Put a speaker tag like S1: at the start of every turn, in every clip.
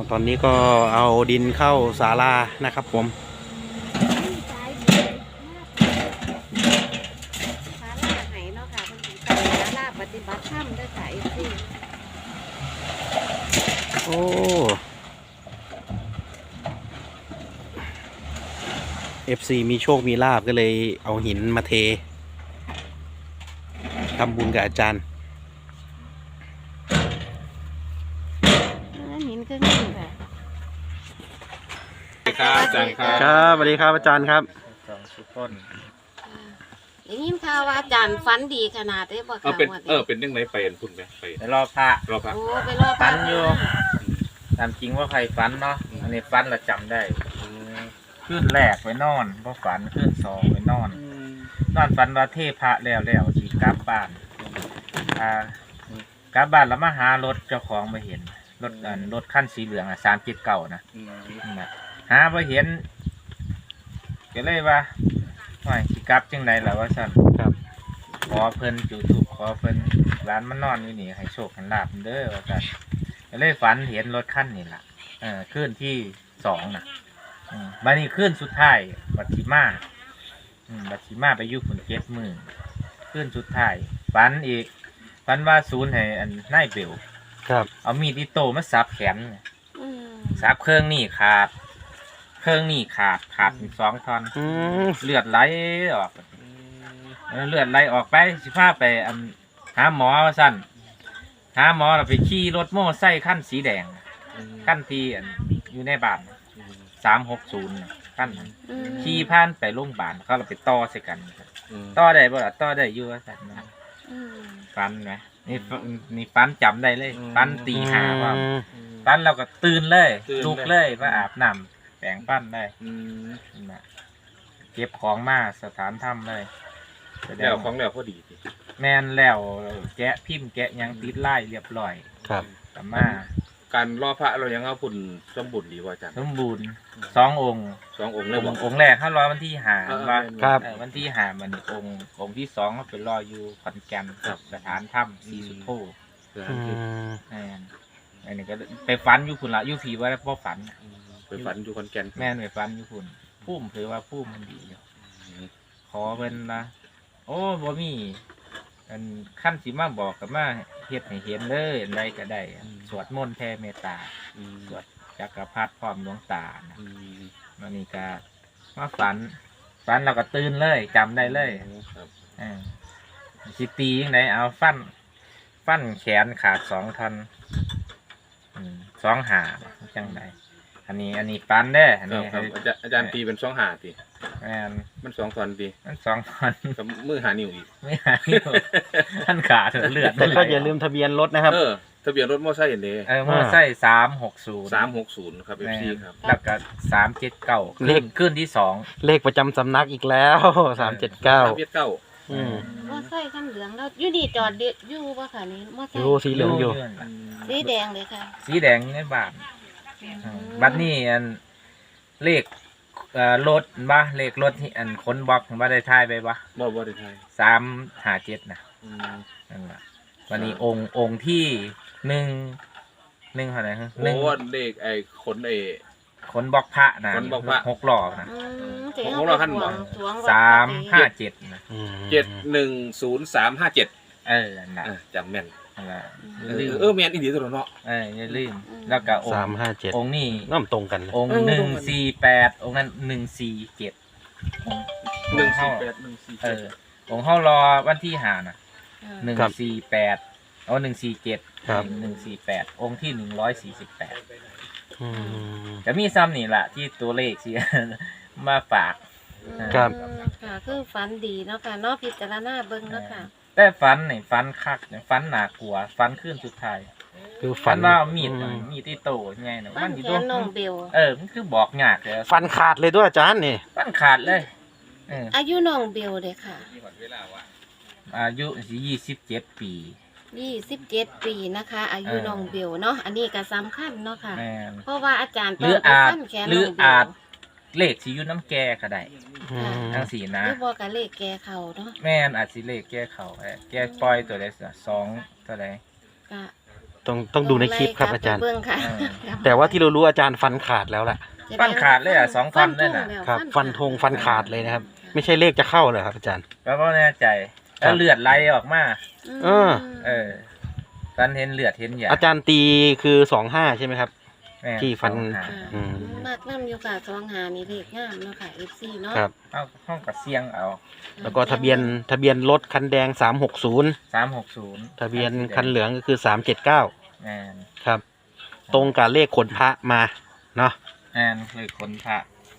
S1: ตอนนี้ก็เอาดินเข้าศาลานะครับผม
S2: ศาลาไหเนาะค่ะเพิ่นสิไปศาลาปฏิบัติธรรมเด้อค่ะ FC
S1: โอ้FC มีโชคมีลาบก็เลยเอาหินมาเททำบุญกับอาจารย์
S2: หินก็มีค่ะ
S3: ครับอาจารย์ครับ
S1: ครับสวัสดีครับอาจารย์ครับ
S3: สองสุต้น
S2: ได้ยินข่าวว่าอาจารย์ฝันดีขนาดได้บ่ค่ะ
S3: เป็น
S2: ว่า
S3: เป็นยังไงเป็นคุณไหมไป
S4: ไปรอพระ
S3: รอพัก
S2: โอ้ไปรอ
S4: ฝันอยู่ ตามจริงว่าใครฝันเนาะอันนี้ฝันเราจำได้ขึ้นแรกไปนอนพอฝันขึ้นสองไปนอนฝันว่าเทพระแล้วสีกลับบ้านกลับบ้านแล้วมาหารถเจ้าของมาเห็นรถขั้นสีเหลือง379นะหามาเห็นก็เลยว่าไม่สีกลับจังไรล่ะว่าสั่น
S1: ครับ
S4: ขอเพิ่นจุดธูปขอเพิ่นร้านมันนอนอยู่นี่ให้โชคให้ลาบเด้อว่าซั่นก็เลยฝันเห็นรถคันนี่ล่ะขึ้นที่2น่ะบัดนี้ขึ้นสุดท้ายบัดสิมาไปอยู่ฝุ่น7 มื้อขึ้นสุดท้ายฝันอีกฝันว่าศูนย์ให้อันนายเบล
S1: ครับ
S4: เอามีดอิโต้มาสับแขน
S2: อืม
S4: สับเครื่องนี่ขาดเป็น2 ท่อน
S1: อืม
S4: เลือดไหลออกเลือดไหลออกไปสิพาไปหาหมอว่าสั่นหาหมอเราไปขี่รถโม่ไส้ขั้นสีแดงขั้นที่อยู่ในบ้าน360ขั้นนั้น
S2: อืม
S4: ขี่ผ่านไปโรงพยาบาลเขาเราไปต่อใส่กันต่อได้บ่ล่ะต่อได้อยู่ว่าสั่นนะ
S2: อืม
S4: ฟันไหมนี่ฟันจำได้เลยฟันตีหาว่า
S1: อืม
S4: ฟันเราก็ตื่นเลยลุกเลยมาอาบน้ำแปรงฟันได้นะเก็บของมาสถานถ้ำเลย
S3: แล้วของแล้วพอดีสิ
S4: แม่นแล้วแกะพิมพ์แกะหยังติดไล่เรียบร้อย
S1: ครับ
S4: กลับมา
S3: การรอพระเรายังเอาพุ่นสมบูรณ์ดีว่าอาจารย์
S4: สมบูรณ์2 องค์
S3: 2 องค์เลยบอก
S4: องค์แรกถ้ารอวันที่หาว่า
S1: ครับ
S4: วันที่หามันองค์ที่2ก็ไปรออยู่ขอนแก่นสถานถ้ำสีสุโธ
S1: อืม
S4: แม่นอันนี้ก็ไปฟันอยู่คุณละอยู่ผีว่าพ่อฝัน
S3: ไปฝันอยู่คอนแก่น
S4: แม่นไปฟันอยู่คุณพุ่มถือว่าพุ่มมันดีอยู่ขอเป็นนะโอ้บ่มีอันขั้นสิมาบอกกับมาเฮ็ดให้เห็นเลยอะไรก็ได้สวดมนต์แผ่เมตตาสวดจักรพรรดิพร้อมดวงตานะมันนี่ก็มาฝันเราก็ตื่นเลยจำได้เลยสิตียังไงเอาฟันแขนขาด2 ท่อน2 หาจังไดอันนี้ฟันได้อันนี้
S3: ครับอาจารย์ตีเป็น2 หาตี
S4: แม่น
S3: มัน2 ท่อนตี
S4: มัน2 ท่อน
S3: กับมือหานิ้วอีก
S4: ไม่หายท่านขาดเลือด
S1: แต่ก็อย่าลืมทะเบียนรถนะครับ
S3: ทะเบียนรถมอไซค์เห็นเด้
S4: มอไซค์360
S3: 360ครับ FC ครับ
S4: แล้วก็379
S1: เลข
S4: ขึ้นที่2
S1: เลขประจำสำนักอีกแล้ว379
S3: 379
S1: อืม
S2: มอไซค์คันเหลืองแล้วอยู่นี่จอดเด็ดอยู่บ่ค่ะนี่มอไซ
S1: อยู่
S2: ค์
S1: สีเหลืองอยู่
S2: สีแดงเลยค่ะ
S4: สีแดงในบ้านบัดนี้อันเลขรถบ่เลขรถที่อันขนบล็อกบ่ได้ทายไปบ่
S3: บ่ได้ไทย
S4: 357นะนั่นล่ะวันนี้องค์ที่1เท่าไหร่ฮะ
S3: โอ้เลขไอ้ขน
S4: ขนบล็อกพระนะ
S3: ขนบล็อกพระ
S4: 6ล้อนะ
S2: เจ๋ง
S3: ของเราขั้นบ่
S2: สวง
S4: 357นะ
S1: อืม
S3: 710357
S4: นั่นล่ะ
S3: จำแม่น
S4: นั่นล่ะ
S3: แม่นอีหลีตัวเนาะ
S4: อย่าลืมแล้วก็องค์
S1: 357
S4: องค์นี้
S1: น้ำตรงกันเลย
S4: องค์148องค์นั้น147องค์เฮาองค์เฮารอวันที่5น่ะ148เอา147
S1: ครับ
S4: 148องค์ที่148
S1: อืม
S4: จะมีซ้ำนี่ล่ะที่ตัวเลขสิ มาฝาก
S1: ครับ
S2: ค่ะคือฝันดีเนาะค่ะเนาะพิจารณาเบิ่งเนาะค่ะ
S4: แต่ฝันนี่ฝันคักฝันน่ากลัวฝันขึ้นสุดท้าย
S1: คือ
S4: ฝั
S1: ฝั
S4: น
S1: น
S4: ว่ามีดที่โตไงน่ะ
S2: ฝัน
S4: สิ
S2: แขนน้องเบล
S4: มันคือบอกยากเลย
S1: ฟันขาดเลยด้วยอาจารย์นี่
S4: ฝันขาดเลย
S2: อายุน้องเบลเลยค่ะ
S4: อายุ27 ปี
S2: 27 ปีนะคะ อายุน้องเบลเนาะอันนี้ก็สำคัญเนาะค่ะ
S4: แม่น
S2: เพราะว่าอาจารย์
S4: หรือ
S2: ไป
S4: อาจ
S2: ฟันแขน
S4: หรื
S2: น้
S4: อ
S2: องเบล
S4: อาจเลขสิอยู่น้ำแกก็ได้
S1: อืม
S4: ทั้งสี่นะ
S2: หรือบ่กับเลขแกเขาเนาะ
S4: แม่นอาจสิเลขแกเขาแกปล่อยตัวใด2ตัวใด
S2: ก็
S1: ตต้องดูในคลิปครับอาจารย์
S2: เบิ่งค่ะ
S1: แต่ว่าที่เรารู้อาจารย์ฟันขาดแล้วแหละ
S4: ฟันขาดเลยอ่ะ2ฟันเลยน่ะ
S1: ครับ ฟันธงฟันขาดเลยนะครับ ไม่ใช่เลขจะเข้าเลยครับอาจารย์
S4: ก็บ่แน่ใจแล้วเลือดไหลออกมา
S1: เออ
S4: ฟันเห็นเลือดเห็นหยา
S1: อาจารย์ตีคือ25ใช่ไหมครับ
S4: แม่น
S1: ที่ฟัน
S4: สองหา
S1: อืม
S2: มากน้ำอยู่ค่ะ25นี่เลขงามเนาะค่ะ FC เนาะ
S1: ครับ
S4: เอาห้องกับเสียงเอา
S1: แล้วก็ทะเบียนรถคันแดง360
S4: 360
S1: ทะเบียนคันเหลืองก็คือ379
S4: แม่น
S1: ครับ ตรงกับเลขขนพระมาเนาะ
S4: แม่นเลยคนพระ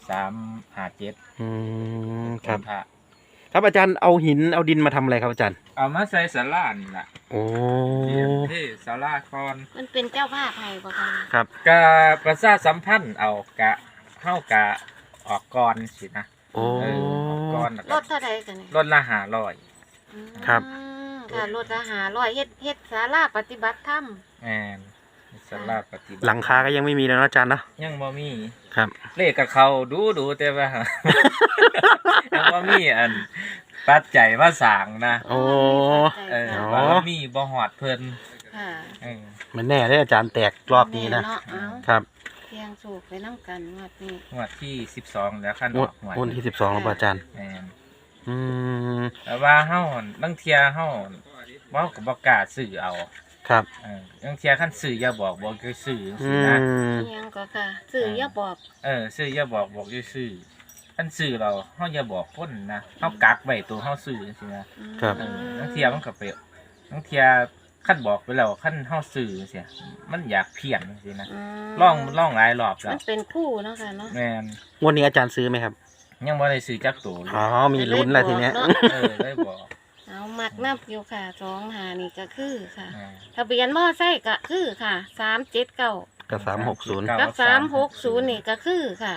S4: 357
S1: อืมครับ
S4: นพระ
S1: ครับอาจารย์เอาหินเอาดินมาทำอะไรครับอาจารย์
S4: เอามาใส่ศาลานี่ล่ะ
S1: โอ้
S4: ที่ศาลาก่อน
S2: มันเป็นเจ้าภาพให้บ่ค่ะ
S1: ครับ
S4: กะประชาสัมพันธ์เอากะเฮากะออกก่อนสินะ
S1: โอ้
S4: ออกก่อนแล้ว
S2: ร
S4: ก็
S2: ถเท่าใดกันนี่
S4: รถละ500
S1: ครับ
S2: ค่ะรถละ500เฮ็ดศาลาปฏิบัติธรรม
S4: แม่นศาลาปฏิบัติ
S1: หลังคาก็ยังไม่มีแล้วนะอาจารย์เนาะ
S4: ยังบ่มี
S1: ครับ
S4: เลขกับเขาดูแต่ว่า ยังบ่มีอันปัจจัยมาสร้างนะ
S1: โอ้ อ๋อ
S4: ว่ามีบ่ฮอดเพิ่น
S2: ค่ะ
S4: เออ
S1: มันแน่เลยอาจารย์แตกรอบนี้นะ
S2: แเาเอา
S1: ครับ
S2: เพียงสูกไปน้ำกันงวดนี้
S4: งวดที่12แล้วคัน
S1: ง
S4: อ
S1: ว
S4: อ
S1: ด
S4: กหวย
S1: งวดที่12แล้วป่ะอาจารย์
S4: แม่น
S1: อืม
S4: แต่ว่าเฮาบางเที่ยเฮาบ่ก็บ่กล้าซื้อเอา
S1: ครับ
S4: บางเที่ยคันซื้ออย่าบอกคือซื้อจัง
S1: อื
S4: ซี่นะ
S1: ม
S2: เพียงก็ค่ะสื่ออย่าบอก
S4: ซื้ออย่าบอกอยู่ซื้อคันซื้อเราเฮาอย่าบอกคนนะเฮากักไว้ตัวเฮาซื้อจังซี่นะครับ บางเที่ยมันก็ไปบางเที่ยคันบอกไปแล้วคันเฮาซื้อจังซี่มันอยากเพี้ยนจังซี่นะ
S2: ม
S4: ล่องหลายรอบแล้
S2: มั
S4: วน
S2: เป็นคู่เนาะค่ะเนาะ
S4: แม่น
S1: งวดนี้อาจารย์ซื้อไหมครับ
S4: ยังบ่ได้ซื้อจักตัวเลย
S1: อ๋อ มีลุ้นแล้วทีเนี้ย
S4: ได้บอก
S2: เอามักนับอยู่ค่ะ25นี่ก็คือค่ะ
S4: อ่า
S2: ทะเบียนมอไซค์ก็คือค่ะ379
S1: กับ360
S2: กับ360นี่ก็คือค่ะ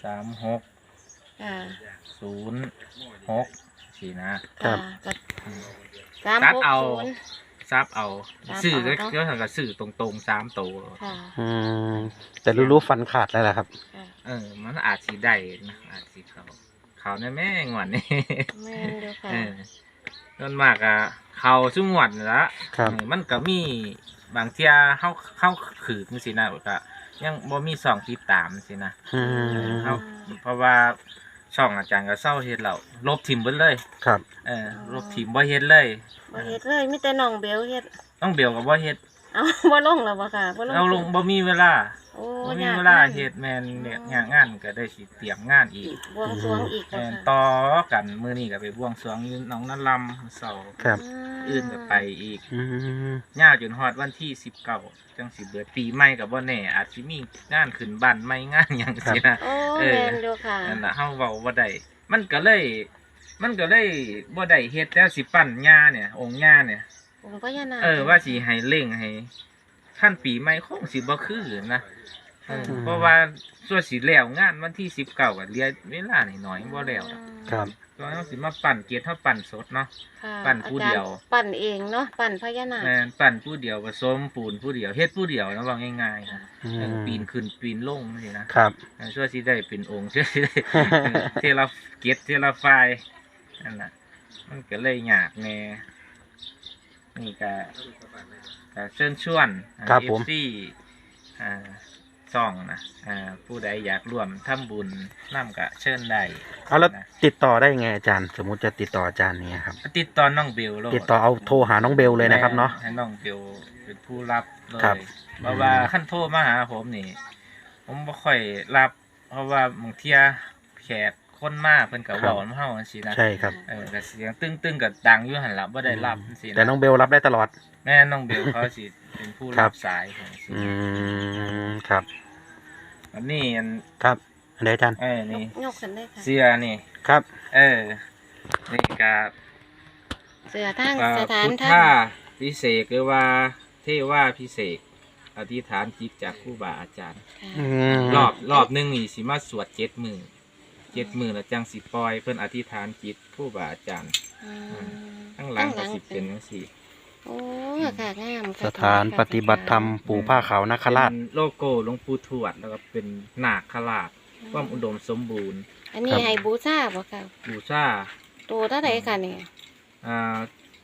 S4: 3606
S2: ค่ะ
S4: สินะ
S1: ครับ
S2: ก็
S4: ตัดเอา
S2: 360
S4: ซับเอา
S2: ซับเอา
S4: ซื้อก็
S2: เนาะ
S4: เดี๋ยวก็ซื้อตรงๆ3ตัว
S2: ค่ะ
S1: อืม แต่รู้ฟันขาดแล้วแหละครับ
S2: ค่ะ
S4: มันอาจสิได้นะอาจสิเขาในแม่งวดนี่
S2: แม่นเด้อค่ะ
S4: ส่วนมากอะเขาซุ่งวดนี่ละ
S1: ครับ
S4: มันก็มีบางเที่ยเข้าขืนสินะก็ยังบ่มีส่องติดตามสินะ
S1: อืม
S4: เอาเพราะว่าช่องอาจารย์ก็เศร้าเฮ็ดแล้วลบทิมเบิดเลย
S1: ครับ
S4: ลบทิมบ่เฮ็ดเลย
S2: บ่เฮ็ดเลยมีแต่น้องเบลเฮ็ด
S4: ต้องเบลก็บ่เฮ็ด
S2: เอาบ่ลงแล้วบ่ค่ะบ่ลง
S4: เราลงบ่มีเวลา
S2: โอ้
S4: บ่มี
S2: ยาก
S4: เวลาเฮ็ดแม่นเนี่ยงานก็ได้สิเตรียมงานอีก
S2: บวงสรวงอีก
S4: แม่น
S2: ค่ะ
S4: ต่อกันมื้อนี้ก็ไปบวงสรวงอยู่หนองนาลำเสาร์
S1: ครับ
S4: อื่นก็ไปอีก
S1: อืม
S4: ยาวจนฮอดวันที่19จังสิเบิดปีใหม่ก็บ่แน่อาจสิมีงานขึ้นบ้านใหม่งานหยังสินะ
S2: โอ้
S4: เออ
S2: แม่นอยู่ค่ะ
S4: นั่นล่ะเฮาเว้าบ่ได้มันก็เลยบ่ได้เฮ็ดแล้วสิปั้นย่าเนี่ยองค์ย่าเนี่ย
S2: ผมก็ยานาค
S4: ว่าสิให้เร่งให้ขั้นปีใหม่คงสิบ่คือนะเพราะว่าส่วนสิแล้วงานวันที่19ก็เหลือเวลาน้อยๆบ่แล้วดอก
S1: ครับ
S4: ก็เฮาสิมาปั้นเกียรติเฮาปั้นสดเนาะ
S2: ค่ะ
S4: ปั่นผู้เดียว
S2: อาจารปั่นเองเนาะปั่นพญานาค
S4: แม่นปั้นผู้เดียวผสมปูนผู้เดียวเฮ็ดผู้เดียวนะว่าง่ายๆนะ
S1: อืม
S4: ปีนขึ้นปีนลงนี่นะครับ ช่วยสิได้เป็นองค์ช่วยสิได้ เทละเกียรติเทละไฟล์นั่นน่ะมันก็เลยยากแน่นี่ก็เชิญชวน
S1: ครับผม
S4: FC ซ่องนะผู้ใดอยากร่วมทำบุญนํก็เชิญได้
S1: เอาแล้ว
S4: นะ
S1: ติดต่อได้ไงอาจารย์ สมมุติจะติดต่ออาจารย์เนี่ยครับ
S4: ติดต่อน้องเบลโลด
S1: ติดต่อเอาโทรหาน้องเบลเลยนะครับเนาะ
S4: ให้น้องเบลเป็นผู้รับเลย
S1: ครับ
S4: เพราะว่าขั้นโทรมาหาผมนี่ ผมบ่ค่อยรับ เพราะว่าบางเที่ยแขกคนมาเพิ่นก็เว้านำเฮาจังซี่นะ
S1: ใช่ครับ
S4: ก็เสียงตึ้งๆก็ดังอยู่หั่นล่ะบ่ได้รับจังซี่นะ
S1: แต่น้องเบลรับได้ตลอด
S4: แม่น้องเบลเขาสิเป็นผู้
S1: ครั
S4: รับ บสายจังซี่
S1: อืม ครับ
S4: อันนี้อัน
S1: ครับอันไหนอาจารย์
S4: นี่
S2: ยกขึ้นได้ค่ะ
S4: เสื้อนี่
S1: ครับ
S4: นี่ก็
S2: เสือทาง
S4: พุ
S2: สถาน
S4: ท
S2: ท่า
S4: ธาพิเศษหรือว่าเทว่าพิเศษอธิษฐานจิตจากครูบาอาจารย์
S1: อืม
S4: รอบหนึงนี่สิมาสวด7 มื้อ7 มื้อแล้วจังสิปล่อยเพิ่นอธิษฐานจิตครูบาอาจารย์
S2: อืม
S4: ข้างหลังก็สิเป็นจังซี่
S2: โอ้ค่ะงาม
S1: สถานปฏิบัติธรรมปู่ผ้าขาวนาคราช
S4: เป็นโลโก้หลวงปู่ทวดแล้วก็เป็นนาคราชความอุดมสมบูรณ์
S2: อันนี้ให้บูชาบ่ค่ะ
S4: บูชา
S2: ตัวเท่าไหร่ค่ะนี่
S4: อ่า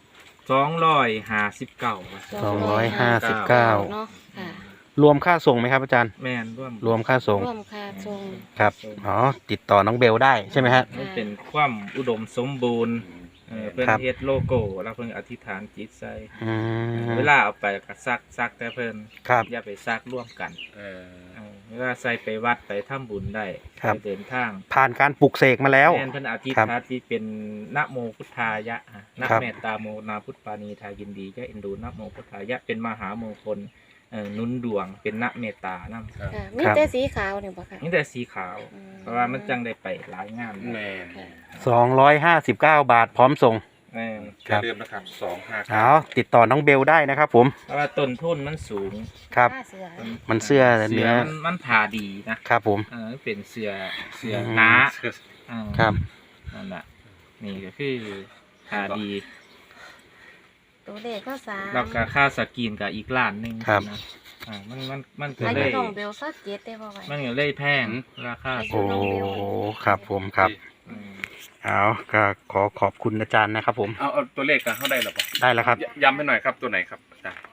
S4: 259
S1: 259
S2: เนาะค่ะ
S1: รวมค่าส่งไหมครับอาจารย์
S4: แม่นร่วม
S1: รวมค่าส่ง
S2: ร่วมค่าส่ง
S1: ครับอ๋อติดต่อน้องเบลได้ใช่ไหมฮะ
S4: มันเป็นความอุดมสมบูรณ์เพิ่น
S1: ครับ
S4: เฮ็ดโลโก้แล้วเพิ่นอธิษฐานจิตใส่
S1: อืม
S4: เวลาเอาไปก็ซักแต่เพิ่น
S1: ครับ
S4: อย่าไปซักร่วมกัน
S3: เออ
S4: เวลาใส่ไปวัดไปทำบุญได้
S1: ครับ
S4: ไปเดินทาง
S1: ผ่านการปลุกเสกมาแล้ว
S4: แม่นเพิ่นอธิษ
S1: ครับ
S4: ฐานที่เป็นนะโมพุทธายะนะ
S1: ครับ
S4: เมตตาโมนาพุทธปานีทายินดียะเอ็นดูนะโมพุทธายะเป็นมหามงคลหนุนดวงเป็นนะเมตตานำ
S3: ครับ
S2: ค่ะมีแต่สีขาวเนี่ยบ่ค่ะ
S4: นี่แต่สีขาว
S2: อืม
S4: เพราะว่ามันจังได้ไปหลายงาน
S3: แม่น
S1: 259 บาทพร้อมส่ง
S4: แม่น
S1: ค
S3: อย่า
S1: รับ
S3: ลืมนะครับ259
S1: เอาติดต่อน้องเบลได้นะครับผม
S4: เพราะว่าต้นทุนมันสูง
S1: ครับ
S2: ผ้าเสือ
S1: มันเสื้อ
S4: เสื
S1: เนื้
S4: อ
S1: อ
S4: มันผ่าดีนะครับ
S1: ผม
S4: เป็นเสือ
S1: อืม
S4: หนา
S1: ครับ
S4: นั่นแหละนี่ก็คือผ่าดี
S2: ตัวเลขก็สาม
S4: แล้วก็ค่าสกรีนกับอีกล้านหนึง
S1: ครับ
S4: นะมันก็
S2: อา
S4: เล
S2: ยุ
S4: ย
S2: น้องเบลสักเจ็ดได้บ่ไหว
S4: มันก็เลยแพงราคา
S1: โอ้ครับผมครับ
S4: อืม
S1: เอาก็ขอขอบคุณอาจารย์นะครับผม
S3: เอาตัวเลขกันเข้าได้หรอปะ
S1: ได้แล้วครับ
S3: ย้ำให้หน่อยครับตัวไหนครับอาจารย์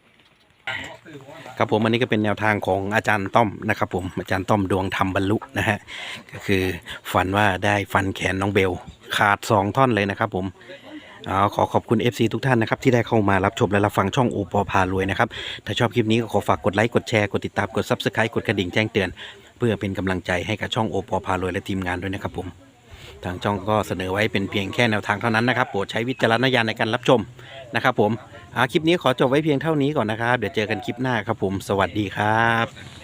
S1: ครับผมอันนี้ก็เป็นแนวทางของอาจารย์ต้อมนะครับผมอาจารย์ต้อมดวงธรรมบรรลุนะฮะก็คือฝันว่าได้ฟันแขนน้องเบลขาด2ท่อนเลยนะครับผมขอขอบคุณ FC ทุกท่านนะครับที่ได้เข้ามารับชมและรับฟังช่องโอปอพารวยนะครับถ้าชอบคลิปนี้ก็ขอฝากกดไลค์กดแชร์กดติดตามกด Subscribe กดกระดิ่งแจ้งเตือน เพื่อเป็นกำลังใจให้กับช่องโอปอพารวยและทีมงานด้วยนะครับผมทางช่องก็เสนอไว้เป็นเพียงแค่แนวทางเท่านั้นนะครับโปรดใช้วิจารณญาณในการรับชมนะครับผมคลิปนี้ขอจบไว้เพียงเท่านี้ก่อนนะครับเดี๋ยวเจอกันคลิปหน้าครับผมสวัสดีครับ